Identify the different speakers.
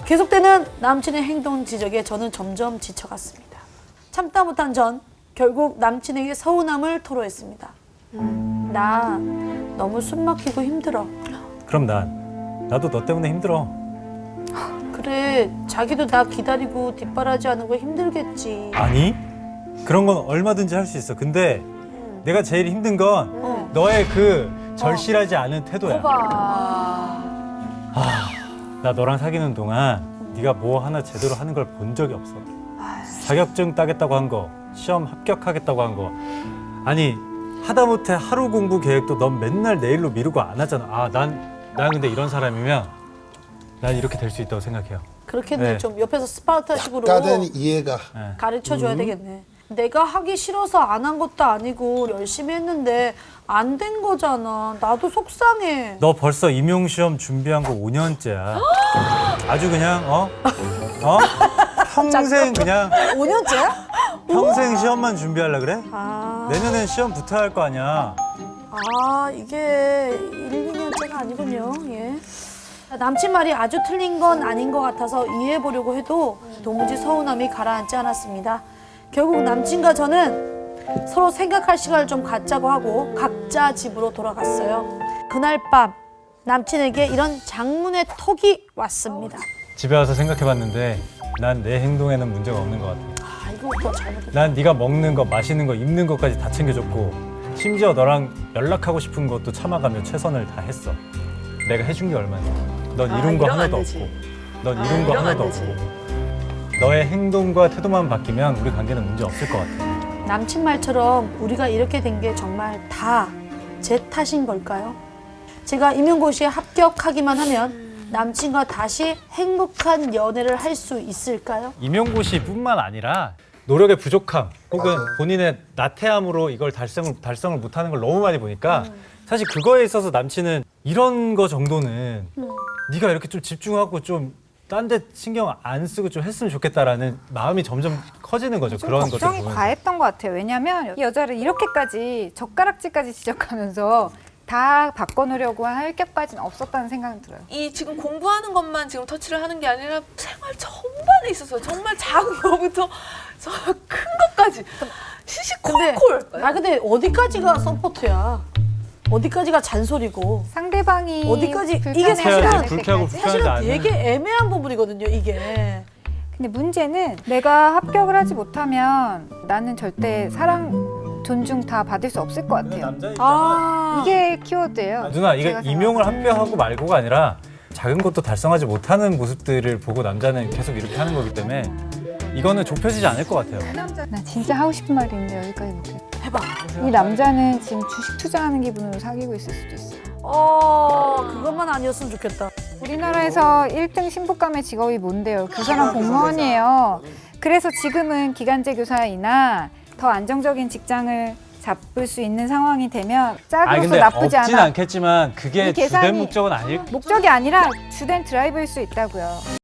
Speaker 1: 계속되는 남친의 행동 지적에 저는 점점 지쳐갔습니다. 참다 못한 전 결국 남친에게 서운함을 토로했습니다. 나 너무 숨막히고 힘들어.
Speaker 2: 그럼 나도 너 때문에 힘들어.
Speaker 1: 그래, 자기도 나 기다리고 뒷바라지하는 거 힘들겠지.
Speaker 2: 아니? 그런 건 얼마든지 할 수 있어. 근데 내가 제일 힘든 건 너의 그 절실하지 않은 태도야. 나 너랑 사귀는 동안 네가 뭐 하나 제대로 하는 걸 본 적이 없어. 자격증 따겠다고 한 거, 시험 합격하겠다고 한 거. 아니, 하다못해 하루 공부 계획도 넌 맨날 내일로 미루고 안 하잖아. 난 근데 이런 사람이면 난 이렇게 될 수 있다고 생각해요.
Speaker 1: 그렇게는
Speaker 2: 네.
Speaker 1: 좀 옆에서 스파르타식으로
Speaker 3: 약간은 이해가.
Speaker 1: 가르쳐줘야 되겠네. 내가 하기 싫어서 안 한 것도 아니고 열심히 했는데 안 된 거잖아. 나도 속상해.
Speaker 2: 너 벌써 임용시험 준비한 거 5년째야. 아주 그냥 평생 그냥
Speaker 1: 5년째야?
Speaker 2: 평생 시험만 준비하려 그래?
Speaker 1: 아,
Speaker 2: 내년엔 시험 붙어야 할 거 아니야.
Speaker 1: 이게 1, 2년째가 아니군요. 예. 남친 말이 아주 틀린 건 아닌 것 같아서 이해해보려고 해도 도무지 서운함이 가라앉지 않았습니다. 결국 남친과 저는 서로 생각할 시간을 좀 갖자고 하고 각자 집으로 돌아갔어요. 그날 밤 남친에게 이런 장문의 톡이 왔습니다.
Speaker 2: 집에 와서 생각해봤는데 난 내 행동에는 문제가 없는 것 같아.
Speaker 1: 이거부터 잘못했다.
Speaker 2: 난 네가 먹는 거, 마시는 거, 입는 것까지 다 챙겨줬고 심지어 너랑 연락하고 싶은 것도 참아가며 최선을 다 했어. 내가 해준 게 얼마냐. 넌 이룬 거
Speaker 4: 이러면 안
Speaker 2: 하나도
Speaker 4: 되지.
Speaker 2: 없고 넌 이룬 거
Speaker 4: 이러면 안
Speaker 2: 하나도
Speaker 4: 되지.
Speaker 2: 없고 너의 행동과 태도만 바뀌면 우리 관계는 문제 없을 것 같아.
Speaker 1: 남친 말처럼 우리가 이렇게 된 게 정말 다 제 탓인 걸까요? 제가 임용고시에 합격하기만 하면 남친과 다시 행복한 연애를 할 수 있을까요?
Speaker 2: 임용고시뿐만 아니라 노력의 부족함 혹은 본인의 나태함으로 이걸 달성을 못하는 걸 너무 많이 보니까 사실 그거에 있어서 남친은 이런 거 정도는 네가 이렇게 좀 집중하고 좀 딴 데 신경 안 쓰고 좀 했으면 좋겠다라는 마음이 점점 커지는 거죠.
Speaker 5: 좀
Speaker 2: 그런 것들
Speaker 5: 걱정이
Speaker 2: 보면.
Speaker 5: 과했던 것 같아요. 왜냐하면 이 여자를 이렇게까지 젓가락질까지 지적하면서 다 바꿔놓으려고 할 격까지는 없었다는 생각이 들어요.
Speaker 4: 이 지금 공부하는 것만 지금 터치를 하는 게 아니라 생활 전반에 있어서 정말 작은 거부터 큰 것까지 시시콜콜.
Speaker 1: 근데 어디까지가 서포트야? 어디까지가 잔소리고?
Speaker 5: 상대방이
Speaker 1: 어디까지 이게
Speaker 5: 불편해하지
Speaker 1: 사실은
Speaker 5: 않을
Speaker 2: 불쾌하고
Speaker 5: 때까지.
Speaker 2: 불편하지
Speaker 1: 사실은
Speaker 2: 않은
Speaker 1: 되게 애매한 부분이거든요, 이게.
Speaker 5: 근데 문제는 내가 합격을 하지 못하면 나는 절대 사랑, 존중 다 받을 수 없을 것 같아요.
Speaker 2: 남자
Speaker 5: 이게 키워드예요.
Speaker 2: 누나 이게
Speaker 5: 제가
Speaker 2: 임용을
Speaker 5: 생각하기에는.
Speaker 2: 합격하고 말고가 아니라 작은 것도 달성하지 못하는 모습들을 보고 남자는 계속 이렇게 하는 거기 때문에 이거는 좁혀지지 않을 것 같아요.
Speaker 5: 나 진짜 하고 싶은 말이 있는데 여기까지 못해.
Speaker 1: 해봐.
Speaker 5: 이 남자는 지금 주식 투자하는 기분으로 사귀고 있을 수도 있어.
Speaker 1: 그것만 아니었으면 좋겠다.
Speaker 5: 우리나라에서 1등 신부감의 직업이 뭔데요? 교사랑 공무원이에요. 그래서 지금은 기간제 교사이나 더 안정적인 직장을 잡을 수 있는 상황이 되면 짝으로서
Speaker 2: 근데
Speaker 5: 나쁘지
Speaker 2: 없진
Speaker 5: 않아.
Speaker 2: 않겠지만 그게
Speaker 5: 이 계산이-
Speaker 2: 주된 목적은 아닐
Speaker 5: 목적이 아니라 주된 드라이브일 수 있다고요.